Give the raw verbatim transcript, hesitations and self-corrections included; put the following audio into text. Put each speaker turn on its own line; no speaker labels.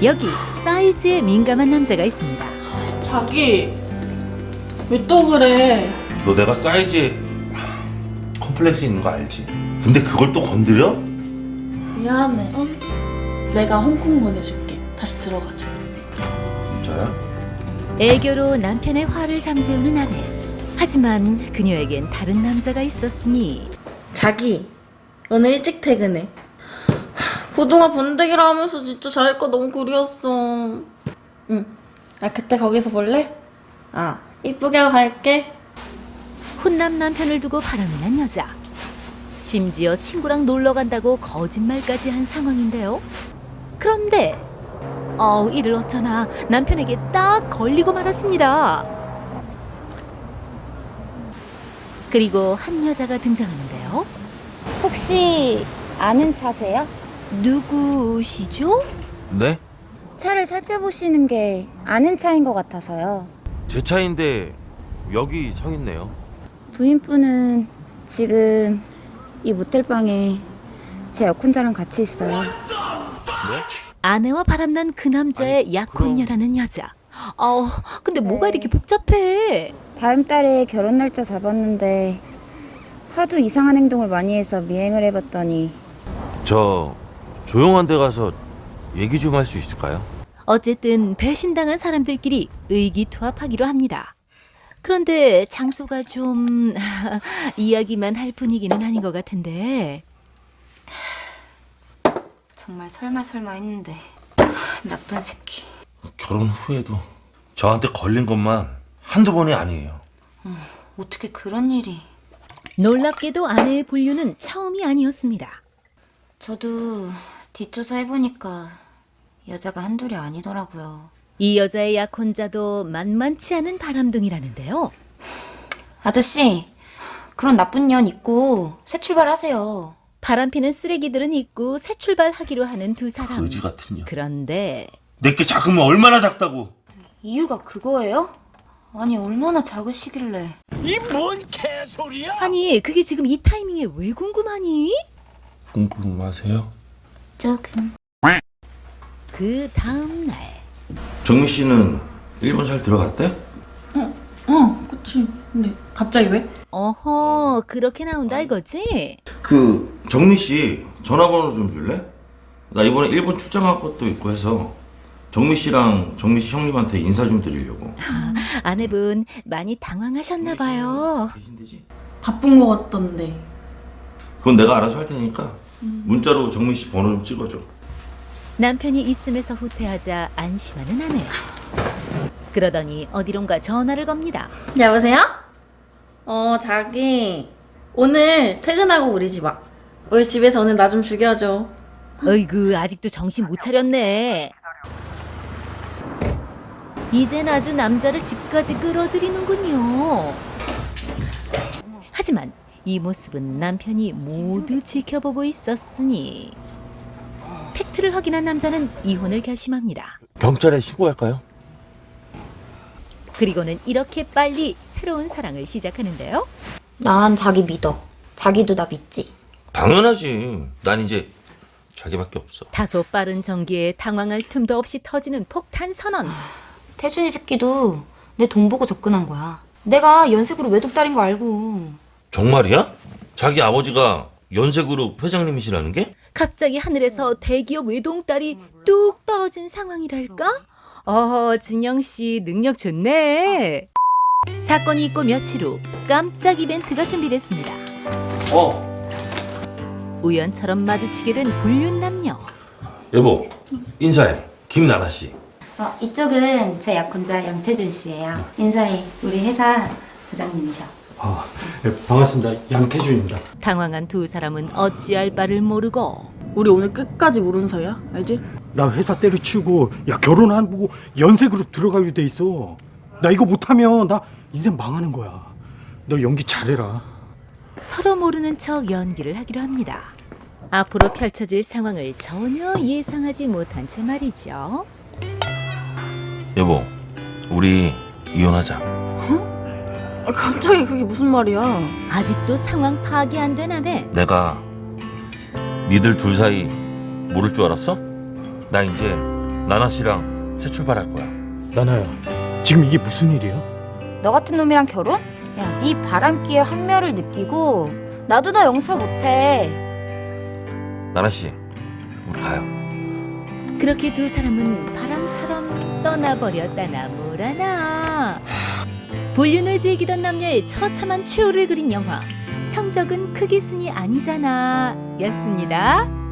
여기 사이즈에 민감한 남자가 있습니다.
자기 왜 또 그래?
너 내가 사이즈에 컴플렉스 있는 거 알지? 근데 그걸 또 건드려?
미안해. 어? 내가 홍콩 보내줄게. 다시 들어가자.
진짜야?
애교로 남편의 화를 잠재우는 아내. 하지만 그녀에겐 다른 남자가 있었으니.
자기 오늘 일찍 퇴근해. 그동안 번데기라 하면서 진짜 자기 거 너무 그리웠어. 응. 나 그때 거기서 볼래? 아, 이쁘게 하고 갈게.
훈남 남편을 두고 바람이 난 여자. 심지어 친구랑 놀러 간다고 거짓말까지 한 상황인데요. 그런데 어우 이를 어쩌나 남편에게 딱 걸리고 말았습니다. 그리고 한 여자가 등장하는데요.
혹시 아는 차세요?
누구시죠?
네?
차를 살펴보시는 게 아는 차인 것 같아서요.
제 차인데 여기 서 있네요.
부인분은 지금 이 모텔방에 제 여권자랑 같이 있어요.
네?
아내와 바람난 그 남자의
아니,
약혼녀라는 여자. 어, 근데 뭐가 이렇게 복잡해?
다음 달에 결혼 날짜 잡았는데 하도 이상한 행동을 많이 해서 미행을 해봤더니
저 조용한 데 가서 얘기 좀 할 수 있을까요?
어쨌든 배신당한 사람들끼리 의기투합하기로 합니다. 그런데 장소가 좀 이야기만 할 분위기는 아닌 것 같은데.
정말 설마 설마 했는데 나쁜 새끼.
결혼 후에도 저한테 걸린 것만 한두 번이 아니에요.
어떻게 그런 일이.
놀랍게도 아내의 불륜은 처음이 아니었습니다.
저도 뒷조사 해보니까 여자가 한둘이 아니더라고요.
이 여자의 약혼자도 만만치 않은 바람둥이라는데요.
아저씨, 그런 나쁜 년 잊고 새 출발하세요.
바람피는 쓰레기들은 잊고 새 출발하기로 하는 두 사람.
거지 같은 년.
그런데
내게 작으면 얼마나 작다고.
이유가 그거예요? 아니 얼마나 작으시길래.
아니 그게 지금 이 타이밍에 왜 궁금하니?
궁금하세요?
조금.
그 다음 날
정미 씨는 일본 잘 들어갔대?
어, 그치. 근데 갑자기 왜?
어허 그렇게 나온다 이거지?
그 정미 씨 전화번호 좀 줄래? 나 이번에 일본 출장 갈 것도 있고 해서 정미 씨랑 정미 씨 형님한테 인사 좀 드리려고.
아내분 많이 당황하셨나 봐요.
계신되지?
바쁜 거 같던데.
그건 내가 알아서 할 테니까 문자로 정미 씨 번호 좀 찍어줘.
남편이 이쯤에서 후퇴하자 안심하는 아내. 그러더니 어디론가 전화를 겁니다.
여보세요? 어, 자기 오늘 퇴근하고 우리 집 와. 우리 집에서 오늘 나 좀 죽여줘.
어이구 아직도 정신 못 차렸네. 이젠 아주 남자를 집까지 끌어들이는군요. 하지만 이 모습은 남편이 모두 지켜보고 있었으니 팩트를 확인한 남자는 이혼을 결심합니다.
경찰에 신고할까요?
그리고는 이렇게 빨리 새로운 사랑을 시작하는데요.
난 자기 믿어. 자기도 나 믿지.
당연하지. 난 이제 자기밖에 없어.
다소 빠른 전기에 당황할 틈도 없이 터지는 폭탄 선언.
태준이 새끼도 내 돈 보고 접근한 거야. 내가 연색으로 외독딸인 거 알고.
정말이야? 자기 아버지가 연세그룹 회장님이시라는 게?
갑자기 하늘에서 대기업 외동딸이 뚝 떨어진 상황이랄까? 어, 진영 씨 능력 좋네. 사건이 있고 며칠 후 깜짝 이벤트가 준비됐습니다.
어,
우연처럼 마주치게 된 불륜 남녀.
여보, 인사해. 김나나 씨.
어, 이쪽은 제 약혼자 양태준 씨예요. 인사해. 우리 회사 부장님이셔.
아, 네, 반갑습니다. 양태준입니다.
당황한 두 사람은 어찌할 바를 모르고
우리 오늘 끝까지 모르는 사이야? 알지?
나 회사 때려치우고 야 결혼 안 보고 연세그룹 들어가기로 돼 있어. 나 이거 못하면 나 인생 망하는 거야. 너 연기 잘해라.
서로 모르는 척 연기를 하기로 합니다. 앞으로 펼쳐질 상황을 전혀 예상하지 못한 채 말이죠.
여보, 우리 이혼하자.
아, 갑자기 그게 무슨 말이야?
아직도 상황 파악이 안 된 아내.
내가 니들 둘 사이 모를 줄 알았어? 나 이제
나나 씨랑 새 출발할 거야.
나나야, 지금 이게 무슨 일이야?
너 같은 놈이랑 결혼? 야, 네 바람기에 환멸을 느끼고 나도 너 용서 못해.
나나 씨, 우리 가요.
그렇게 두 사람은 바람처럼 떠나버렸다나 뭐라나. 불륜을 즐기던 남녀의 처참한 최후를 그린 영화 성적은 크기 순이 아니잖아 였습니다.